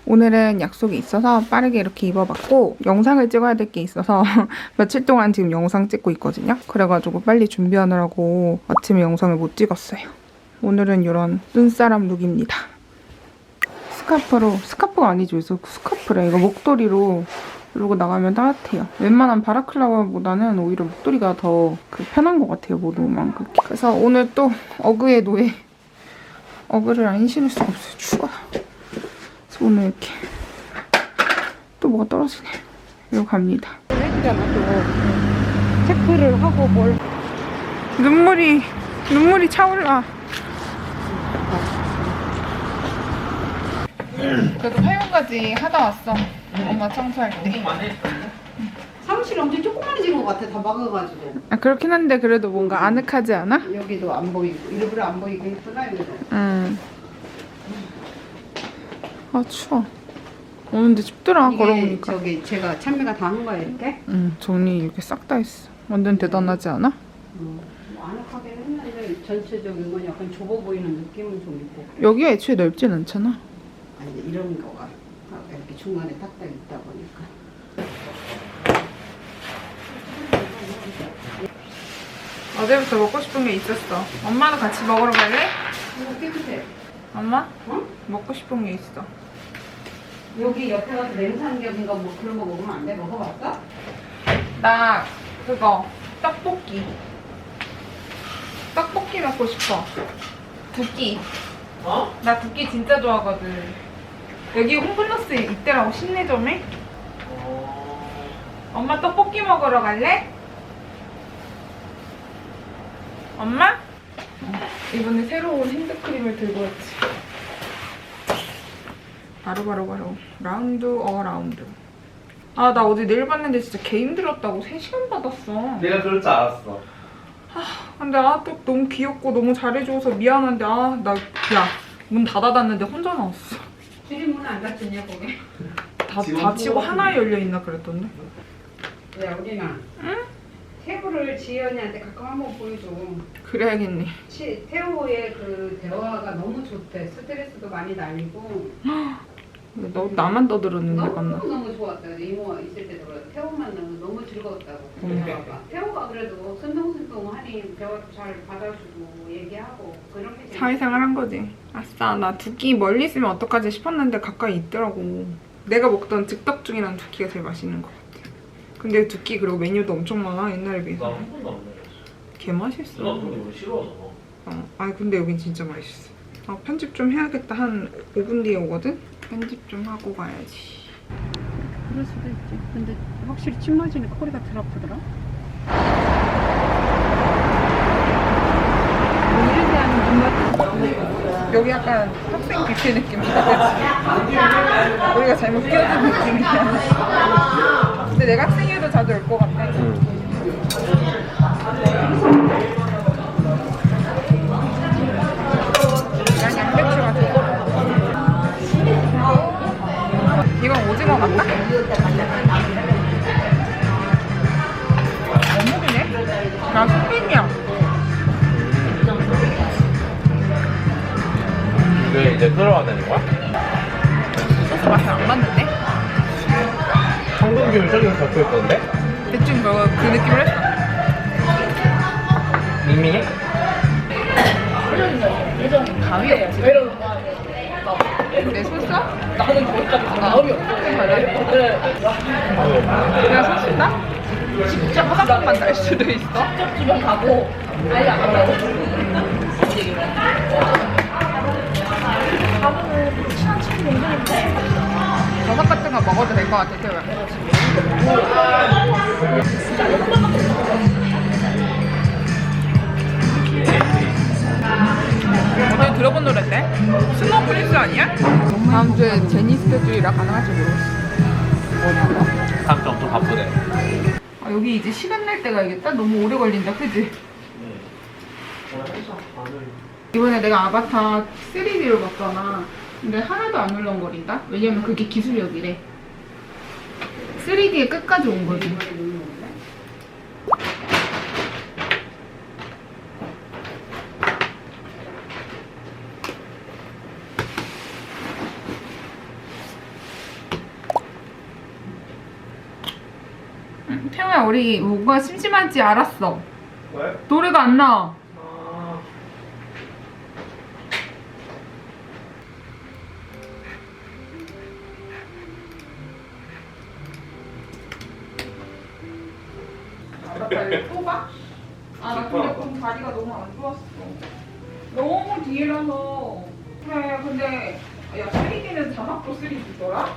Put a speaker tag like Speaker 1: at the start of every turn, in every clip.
Speaker 1: 오늘은 약속이 있어서 빠르게 이렇게 입어봤고 영상을 찍어야 될 게 있어서 며칠 동안 지금 영상 찍고 있거든요. 그래가지고 빨리 준비하느라고 아침에 영상을 못 찍었어요. 오늘은 이런 눈사람 룩입니다. 스카프가 아니죠. 그래서 스카프래. 이거 목도리로 이러고 나가면 따뜻해요. 웬만한 바라클라바보다는 오히려 목도리가 더 편한 것 같아요. 모두만 그렇게. 그래서 오늘 또 어그의 노예. 어그를 안 신을 수가 없어요. 추워. 그래서 오늘 이렇게 또 뭐가 떨어지네. 이러고 갑니다.
Speaker 2: 해주잖아 또. 체크를 하고 뭘.
Speaker 1: 눈물이 차올라. 그래도 화요까지 하다 왔어. 엄마 청소할 때.
Speaker 2: 사무실 엄청 조그만해진 것 같아. 다 막아가지고.
Speaker 1: 아, 그렇긴 한데 그래도 뭔가 아늑하지 않아?
Speaker 2: 여기도 안 보이고 일부러 안 보이게 했구나 여기도.
Speaker 1: 응. 아 추워. 오는데 춥더라. 걸어보니까.
Speaker 2: 저기 제가 찬미가 다 한 거야 이렇게?
Speaker 1: 응. 정리 이렇게 싹 다 했어. 완전 대단하지 않아?
Speaker 2: 뭐 아늑하게 했는데 전체적인 건 약간 좁아 보이는 느낌은 좀 있고.
Speaker 1: 여기가 애초에 넓진 않잖아.
Speaker 2: 아니 이런 거가 이렇게 중간에 딱딱 있다 보니까.
Speaker 1: 어제부터 먹고 싶은 게 있었어. 엄마도 같이 먹으러 갈래?
Speaker 2: 이거 깨끗해.
Speaker 1: 엄마?
Speaker 2: 어?
Speaker 1: 먹고 싶은 게 있어.
Speaker 2: 여기 옆에 가서 냉삼겹인가 뭐 그런 거 먹으면 안 돼? 먹어봤어?
Speaker 1: 나 그거 떡볶이 먹고 싶어. 두끼.
Speaker 3: 어?
Speaker 1: 나 두끼 진짜 좋아하거든. 여기 홈플러스 있더라고. 신내점에. 엄마 떡볶이 먹으러 갈래? 엄마? 이번에 새로운 핸드크림을 들고 왔지. 바로 라운드 어라운드. 아, 나 어제 내일 봤는데 진짜 개 힘들었다고 3시간 받았어.
Speaker 3: 내가 그럴 줄 알았어.
Speaker 1: 근데 또 너무 귀엽고 너무 잘해줘서 미안한데 문 닫아놨는데 혼자 나왔어.
Speaker 2: 줄이 문 안 닫혔냐 거기?
Speaker 1: 닫히고 하나에 열려있나 그랬던데.
Speaker 2: 야 우리나. 응? 태우를 지연이한테 가끔 한번 보여줘.
Speaker 1: 그래야겠네.
Speaker 2: 태우의 그 대화가 너무 좋대. 스트레스도 많이 날리고.
Speaker 1: 너 나만 떠들었는데 맞나?
Speaker 2: 너무 좋았다. 이모가 있을 때 들어. 태우만 너무 즐거웠다고. 대화가. 태우가 그래도 순둥순둥하니 대화도 잘 받아주고 얘기하고 그런 게.
Speaker 1: 사회생활 한 거지. 아싸, 나 두끼 멀리 있으면 어떡하지 싶었는데 가까이 있더라고. 내가 먹던 즉석 중이랑 두끼가 제일 맛있는 것 같아. 근데 두끼 그리고 메뉴도 엄청 많아. 옛날에 비해서.
Speaker 3: 나 한 번도 안 먹었어.
Speaker 1: 개 맛있어.
Speaker 3: 나 근데 우리 싫어하잖아.
Speaker 1: 아니 근데 여긴 진짜 맛있어. 편집 좀 해야겠다. 한 5분 뒤에 오거든? 편집 좀 하고 가야지.
Speaker 2: 그럴 수도 있지. 근데 확실히 침 맞으니까 허리가 덜 아프더라. 이런 데 하는 눈
Speaker 1: 여기 약간 학생 뷔페 느낌이야. 그치? 우리가 잘못 끼어든 느낌이야. 근데 내가 학생이어도 자주 올 것 같아. 난 양배추가 좋아. 이건 오징어 같다? 어묵이네? 나 소빈이야.
Speaker 3: 왜 이제 들어와야 되는 거야?
Speaker 1: 소스 맛이 안 맞는데?
Speaker 3: 황금균 저기서 잡고 있던데?
Speaker 1: 대충 그 느낌을 했어.
Speaker 3: 밍밍해?
Speaker 1: 가위였지. 내 소스? 나는 거기까지 마음이 없어. 내가 소스다? 진짜 화장품만 날 수도 있어? 직접 주면 가고 아예 안 가고 친한 친구 정도인데 버섯 같은 거 먹어도 될 것 같아. 태우야. 어제 들어본 노래인데? 스노우 프린스 아니야? 다음 주에 제니 스케줄이라 가능할지 모르겠어.
Speaker 3: 다음 주 엄청 바쁘네.
Speaker 1: 여기 이제 시간 날 때가 알겠다? 너무 오래 걸린다, 그지? 이번에 내가 아바타 3D로 봤잖아. 근데 하나도 안 울렁거린다? 왜냐면 그게 기술력이래. 3D에 끝까지 온 거지. 태호야, 우리 뭔가 심심한지 알았어.
Speaker 3: 왜?
Speaker 1: 노래가 안 나와. 알았다, 이거 뽑아? 아, 나 근데 좀 다리가 너무 안 좋았어. 너무 뒤에라서. 그래, 근데, 야, 3D는 자막도 3D더라?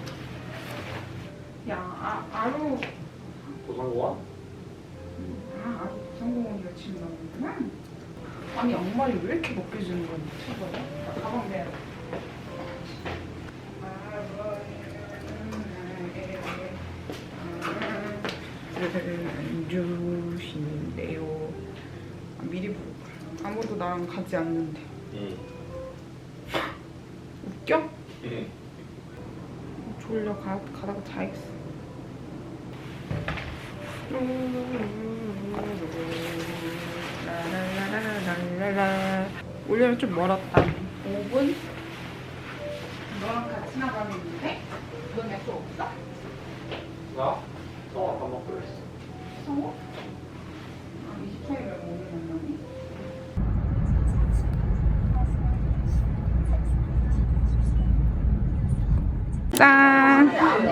Speaker 1: 야, 아루.
Speaker 3: 고상고와?
Speaker 1: 아루 성공원이가 지금 나오는구나. 아니, 양말이 왜 이렇게 벗겨지는 거야, 미쳐버려. 나 가방 내야 돼. 안 주신대요. 아, 미리 부를까? 아무도 나랑 가지 않는데.
Speaker 3: 응.
Speaker 1: 웃겨?
Speaker 3: 응.
Speaker 1: 졸려. 가다가 자야겠어. 라라라라라라라. 오려면 좀 멀었다. 5분? 너랑 같이 나가면 있는데? 넌 약속 없어?
Speaker 3: 나? 성화 밥 먹기로 했어.
Speaker 1: 성호? 아, 20초이면 오늘 만나니? 짠!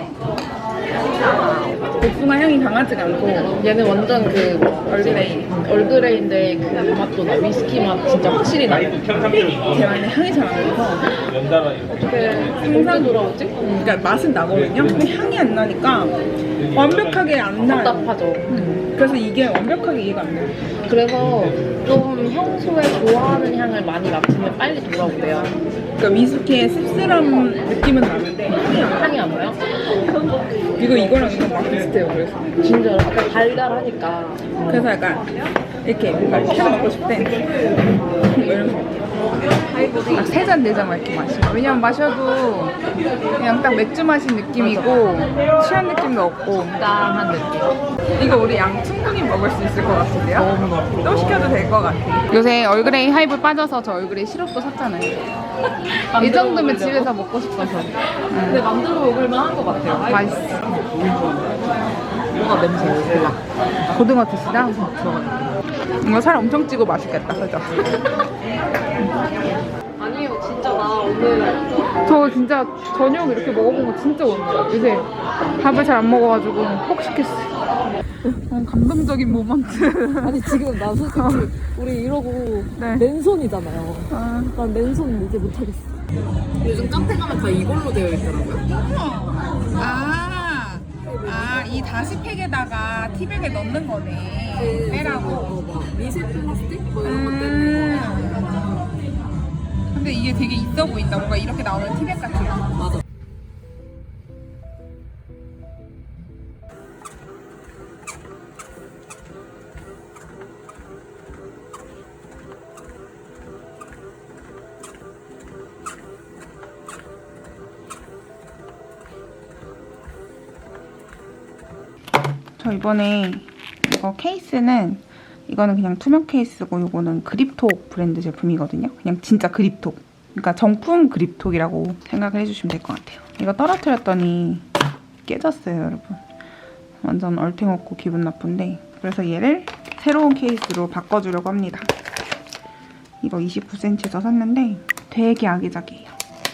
Speaker 1: 복숭아 향이 강하지가 않고
Speaker 4: 얘는 완전 그
Speaker 1: 얼그레이.
Speaker 4: 얼그레이인데 그 맛도 나. 위스키 맛 진짜 확실히 나.
Speaker 1: 제 안에 향이 잘 안 나서
Speaker 3: 연달아 이거.
Speaker 4: 어떻게 생산 돌아오지?
Speaker 1: 그러니까 맛은 나거든요? 근데 향이 안 나니까 완벽하게 안 나요.
Speaker 4: 답답하죠.
Speaker 1: 그래서 이게 완벽하게 이해가 안 돼요.
Speaker 4: 그래서 좀 평소에 좋아하는 향을 많이 맡으면 빨리 돌아오대요.
Speaker 1: 그러니까 위스키의 씁쓸한 느낌은 나는데 향이 안 나요.
Speaker 4: 향이 안 나요?
Speaker 1: 이거랑 이거 막 비슷해요. 그래서
Speaker 4: 진짜 약간 달달하니까.
Speaker 1: 그래서 약간 이렇게 뭔가 펴 먹고 싶대. 이런 세 잔, 네 잔 막 이렇게 마시고. 왜냐면 마셔도 그냥 딱 맥주 마신 느낌이고 취한 느낌도 없고.
Speaker 4: 짠한 느낌.
Speaker 1: 이거 우리 양 충분히 먹을 수 있을 것 같은데요?
Speaker 4: 너무
Speaker 1: 또 시켜도 될 것 같아. 요새 얼그레이 하이볼 빠져서 저 얼그레이 시럽도 샀잖아요. 이 정도면 집에서 먹고 싶어서.
Speaker 4: 근데 만들어 먹을만 한 것 같아요.
Speaker 1: 맛있어.
Speaker 4: 뭐가 냄새 몰라.
Speaker 1: 고등어 드시나? 이거 살 엄청 찌고 맛있겠다, 그죠?
Speaker 4: 아니요, 진짜 나 오늘
Speaker 1: 저 진짜 저녁 이렇게 먹어본 거 진짜 오랜만이에요. 요새 밥을 잘 안 먹어가지고 폭식했어요. 감동적인 모먼트.
Speaker 5: 아니 지금 나 솔직히 우리 이러고
Speaker 1: 네.
Speaker 5: 맨손이잖아요.
Speaker 1: 아,
Speaker 5: 난 맨손 이제 못하겠어.
Speaker 4: 요즘 카페 가면 다 이걸로 되어 있더라고요.
Speaker 1: 이 다시팩에다가 티백에 넣는 거네. 빼라고.
Speaker 5: 미세 플라스틱 뭐 이런 것 때문에
Speaker 1: 근데 이게 되게 있어 보인다. 뭔가 이렇게 나오는 티백 같아요.
Speaker 5: 맞아.
Speaker 1: 저 이번에 이거 케이스는 이거는 그냥 투명 케이스고 이거는 그립톡 브랜드 제품이거든요. 그냥 진짜 그립톡. 그러니까 정품 그립톡이라고 생각을 해주시면 될 것 같아요. 이거 떨어뜨렸더니 깨졌어요, 여러분. 완전 얼탱없고 기분 나쁜데 그래서 얘를 새로운 케이스로 바꿔주려고 합니다. 이거 29cm에서 샀는데 되게 아기자기해요.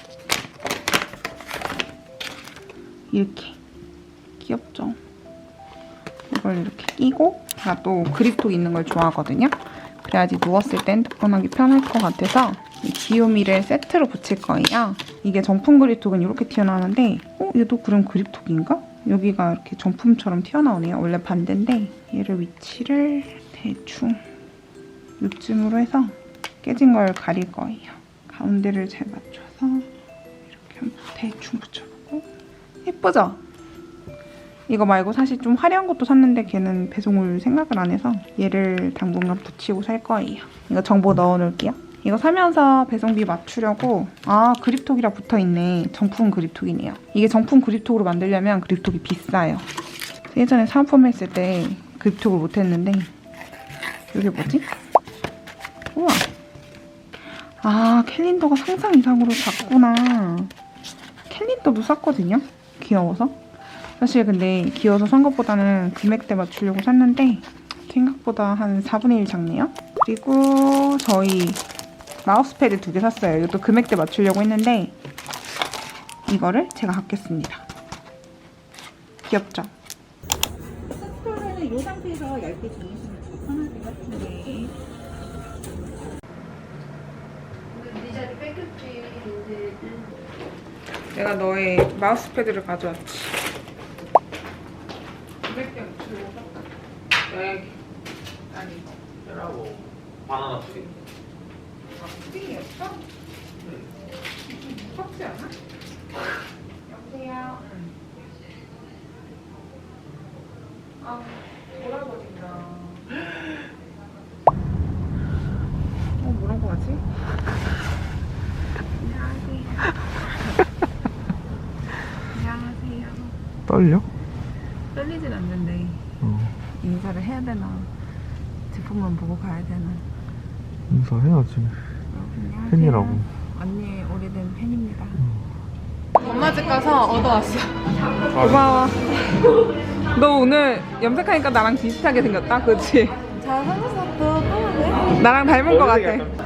Speaker 1: 이렇게 귀엽죠? 이걸 이렇게 끼고 제가 또 그립톡 있는 걸 좋아하거든요. 그래야지 누웠을 땐 뜨끈하기 편할 것 같아서 이 귀요미를 세트로 붙일 거예요. 이게 정품 그립톡은 이렇게 튀어나오는데 얘도 그럼 그립톡인가? 여기가 이렇게 정품처럼 튀어나오네요. 원래 반대인데 얘를 위치를 대충 요쯤으로 해서 깨진 걸 가릴 거예요. 가운데를 잘 맞춰서 이렇게 한번 대충 붙여보고 예쁘죠? 이거 말고 사실 좀 화려한 것도 샀는데 걔는 배송을 생각을 안 해서 얘를 당분간 붙이고 살 거예요. 이거 정보 넣어놓을게요. 이거 사면서 배송비 맞추려고 그립톡이라 붙어있네. 정품 그립톡이네요. 이게 정품 그립톡으로 만들려면 그립톡이 비싸요. 예전에 사은품 했을 때 그립톡을 못했는데 이게 뭐지? 우와. 캘린더가 상상 이상으로 작구나. 캘린더도 샀거든요. 귀여워서. 사실 근데 귀여워서 산 것보다는 금액대 맞추려고 샀는데 생각보다 한 4분의 1 작네요. 그리고 저희 마우스패드 2개 샀어요. 이것도 금액대 맞추려고 했는데 이거를 제가 갖겠습니다. 귀엽죠? 스토어는 이 상태에서 얇게 주무시면 편할 것 같은데.
Speaker 2: 네 자리 뺏겼지 이제.
Speaker 1: 내가 너의 마우스패드를 가져왔지. 금액대 맞추려고 샀다. 여기. 아니.
Speaker 3: 얘라고 바나나 푸딩.
Speaker 1: 푸딩이었어? 응. 무섭지 않아? 여보세요? 응. 아, 돌아버린다. 뭐라고 하지? 안녕하세요.
Speaker 3: 떨려?
Speaker 1: 떨리진 않는데 인사를 해야 되나? 제품만 보고 가야 되나?
Speaker 3: 인사해야지.
Speaker 1: 안녕하세요.
Speaker 3: 팬이라고.
Speaker 1: 언니의 오래된 팬입니다. 엄마 집 가서 얻어왔어. 고마워. 너 오늘 염색하니까 나랑 비슷하게 생겼다, 그치?
Speaker 5: 잘 생겼어. 편하네.
Speaker 1: 나랑 닮은 거 같아.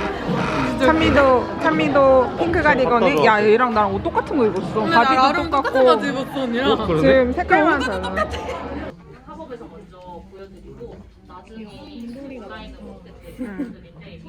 Speaker 1: 찬미도 핑크 가디건에 야 얘랑 나랑 옷 똑같은 거 입었어. 바지도 똑같고
Speaker 5: 입었어, 언니랑.
Speaker 1: 지금 색깔만 달라.
Speaker 4: 팝업에서 먼저 보여드리고 나중에 디자인으로 어떻게 보여드릴때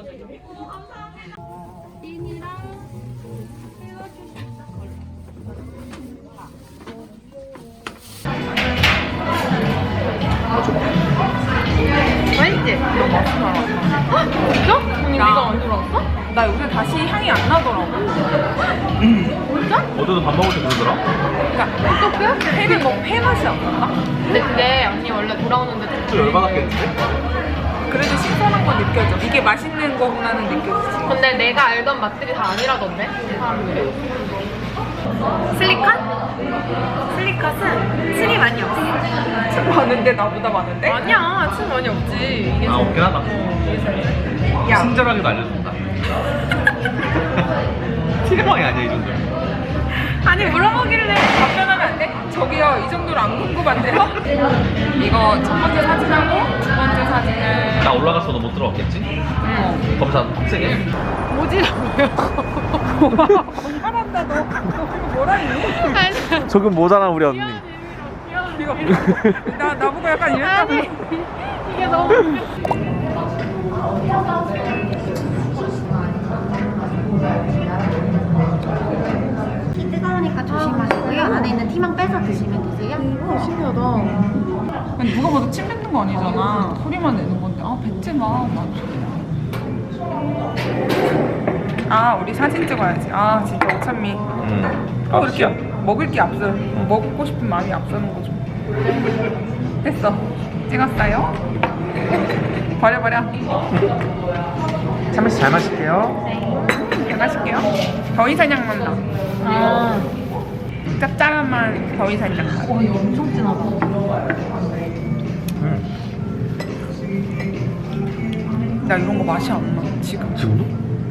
Speaker 1: 맛있지? 너무 맛있어. 진짜? 언니 네가 안 들어왔어? 나 요새 다시 향이 안 나더라고.
Speaker 3: 어제도 밥 먹을 때 그러더라?
Speaker 1: 그러니까 어떻게? 회 맛이 안 난다?
Speaker 4: 근데 그게 언니 원래 돌아오는데
Speaker 3: 또 열받았겠는데?
Speaker 1: 그래도 신선한 건 느껴져. 이게 맛있는 거구나는 느껴지지.
Speaker 4: 근데 내가 알던 맛들이 다 아니라던데 사람들이. 슬리컷? 슬리컷은 층이 많이 없어.
Speaker 1: 참 많은데 나보다 많은데?
Speaker 4: 아니야 층 많이 없지. 이게
Speaker 3: 아 없긴 하다.
Speaker 1: 야,
Speaker 3: 친절하게도 알려준다. 티레방이 아니야 이 정도면.
Speaker 1: 아니 물어보길래 답변하면 안 돼? 저기요 이 정도로 안 궁금한데요? 이거 첫 번째 사진하고 두 번째 사진을
Speaker 3: 나 올라갔어도 못 들어갔겠지?
Speaker 1: 응.
Speaker 3: 검사 빡세게.
Speaker 1: 잘한다 너. 이거 뭐라 했니?
Speaker 3: 조금 모자란 우리 언니.
Speaker 1: 이거 나보고 약간 이랬다고.
Speaker 4: 이게 너무
Speaker 6: 티 뜨거우니까 조심하시고요. 안에 있는 티만 빼서 드시면 되세요.
Speaker 5: 신기하다.
Speaker 1: 아니 누가 봐도 침 뱉는 거 아니잖아. 소리만 내는 건데 아 뱉지 마. 아 우리 사진 찍어야지. 아 진짜 오찬미. 이렇게 먹을 게 앞서 먹고 싶은 마음이 앞서는 거죠. 됐어. 찍었어요. 버려.
Speaker 3: 참치 잘 마실게요.
Speaker 1: 잘 마실게요. 더위사냥 맛 나.
Speaker 4: 아
Speaker 1: 짭짤한 맛 더위사냥 맛.
Speaker 4: 와 이거 엄청 진하다.
Speaker 1: 나 이런 거 맛이 안 나. 지금.
Speaker 3: 지금도?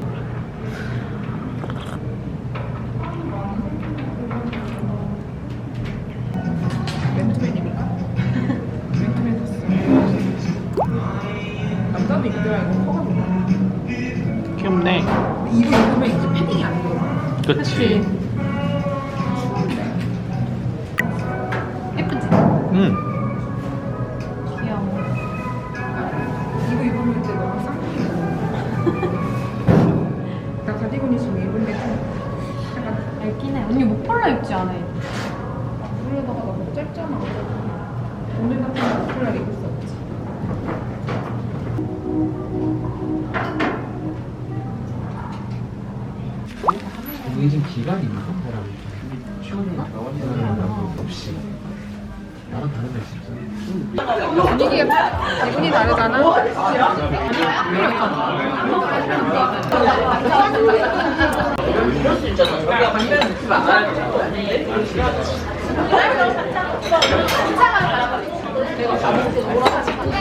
Speaker 1: 맨투맨입니까? 맨투맨 샀어. 남자도 입더라 이거 커가지고.
Speaker 3: 귀엽네.
Speaker 1: 이거 입으면 이제 패딩이 안 돼.
Speaker 3: 그치.
Speaker 4: 예쁘지?
Speaker 3: 응.
Speaker 4: 귀여워.
Speaker 1: 이거 입으면 이제 너무 쌍둥이야. 나 가디건 있으면 입은데 좀 약간
Speaker 4: 얇긴 해. 언니 목폴라 입지 않아?
Speaker 1: 물에다가 너무 짧잖아. 오늘 같은 거 목폴라 입을 수 없지.
Speaker 7: 이게 지금 기간이 있는 거라고 시원해 나와있는 없이 나랑 다른 데 있어.
Speaker 1: 분위기가 기분이 다르잖아.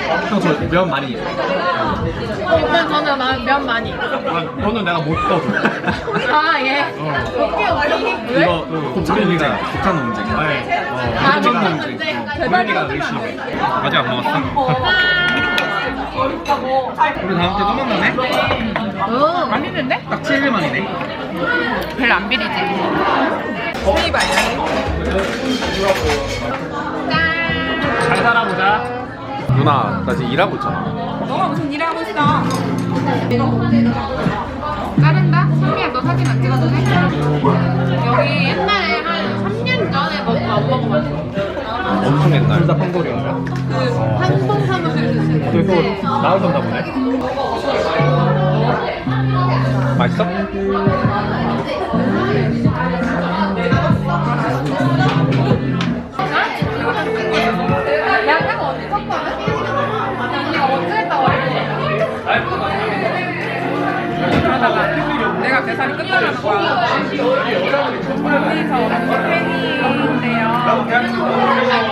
Speaker 3: 형 저 면 많이.
Speaker 4: 일단 저는 면 많이.
Speaker 3: 너는 내가 못 떠줘.
Speaker 4: 아 예. 오케이 오케이.
Speaker 3: 이거 곱창이가 곱창 논쟁.
Speaker 4: 아,
Speaker 3: 곱창
Speaker 4: 곱창
Speaker 3: 논쟁.
Speaker 4: 논쟁.
Speaker 3: 우리가 의심해. 아직 안 먹었어? 우리 다음 주에 또 만나네?
Speaker 1: 안 있는데?
Speaker 3: 딱 7일 만이네.
Speaker 1: 별로 안 비리지. 스테이 말이야.
Speaker 3: 잘 살아보자. 누나, 나 지금 일하고 있잖아.
Speaker 1: 너가 무슨 일 하고 있어? 자른다? 선미야 너 사진 안 찍어도 돼?
Speaker 4: 여기 옛날에 한 3년 전에 안 먹어봤어.
Speaker 3: 엄청 옛날. 둘다 펑골이야.
Speaker 4: 한번 사무실에서 쓰는데.
Speaker 3: 그래서 나오셨나 보네. 맛있어?
Speaker 1: 약간 언니 섞어요? 언니가 먼저 했다고 그러다가 내가 계산이 끝나는 거야. 언니 저 언니 팬인데요.